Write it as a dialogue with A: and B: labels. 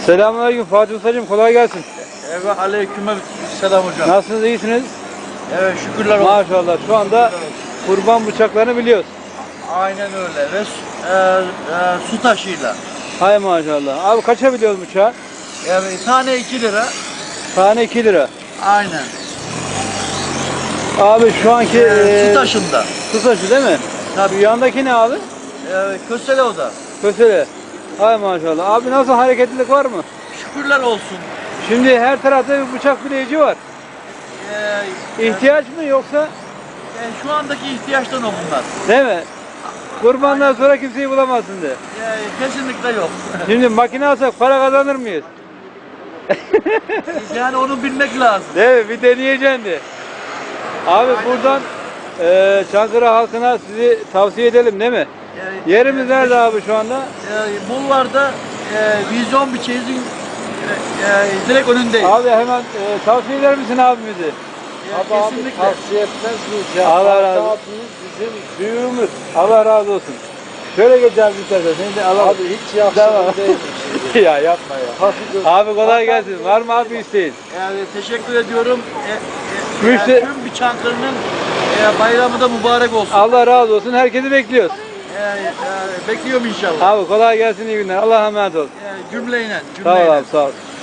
A: Selamünaleyküm Fatih Ustacığım, kolay gelsin.
B: Evet, aleykümselam hocam.
A: Nasılsınız, iyisiniz?
B: Evet, şükürler olsun.
A: Maşallah, şu anda kurban bıçaklarını biliyoruz.
B: Aynen öyle ve su taşıyla.
A: Hay maşallah. Abi kaça biliyoruz bıçağı?
B: Evet, tane 2 lira.
A: Tane 2 lira.
B: Aynen.
A: Abi şu anki
B: Su taşında.
A: su taşı değil mi?
B: Tabii.
A: Şu yandaki ne abi?
B: Kösele o da.
A: Kösele. Hay maşallah. Abi nasıl, hareketlilik var mı?
B: Şükürler olsun.
A: Şimdi her tarafta bir bıçak bileyici var. İhtiyaç mı yoksa?
B: Şu andaki ihtiyaçtan o bunlar.
A: Değil mi? Kurbandan sonra kimseyi bulamazsın de.
B: Kesinlikle yok.
A: Şimdi makine alsak para kazanır mıyız?
B: Yani onu bilmek lazım.
A: Değil mi? Bir deneyeceksin de. Abi buradan Çankırı halkına sizi tavsiye edelim değil mi? Yerimiz nerede abi şu anda?
B: Bulvarda vizyon bir çeyizin direkt önündeyiz.
A: Abi hemen tavsiye eder misin abimizi?
B: Kesinlikle.
C: Tavsiye etmez miyiz ya?
A: Allah razı olsun.
C: Abimiz bizim büyüğümüz.
A: Allah razı olsun. Şöyle geçeceğiz bir sefer. Seni de alalım.
C: Abi hiç yakışıklı
A: Tamam.
C: değil şimdi.
A: Ya yapma ya.
C: Hafif göz-
A: Abi kolay gelsin. Var mı abi isteğin?
B: Teşekkür ediyorum.
A: Müşteri-
B: Tüm bir Çankırı'nın bayramı da mübarek olsun.
A: Allah razı olsun. Herkesi bekliyoruz.
B: Bekliyorum inşallah.
A: Abi kolay gelsin, iyi günler. Allah'a emanet ol.
B: Cümleyle.
A: Sağ ol abi, sağ ol.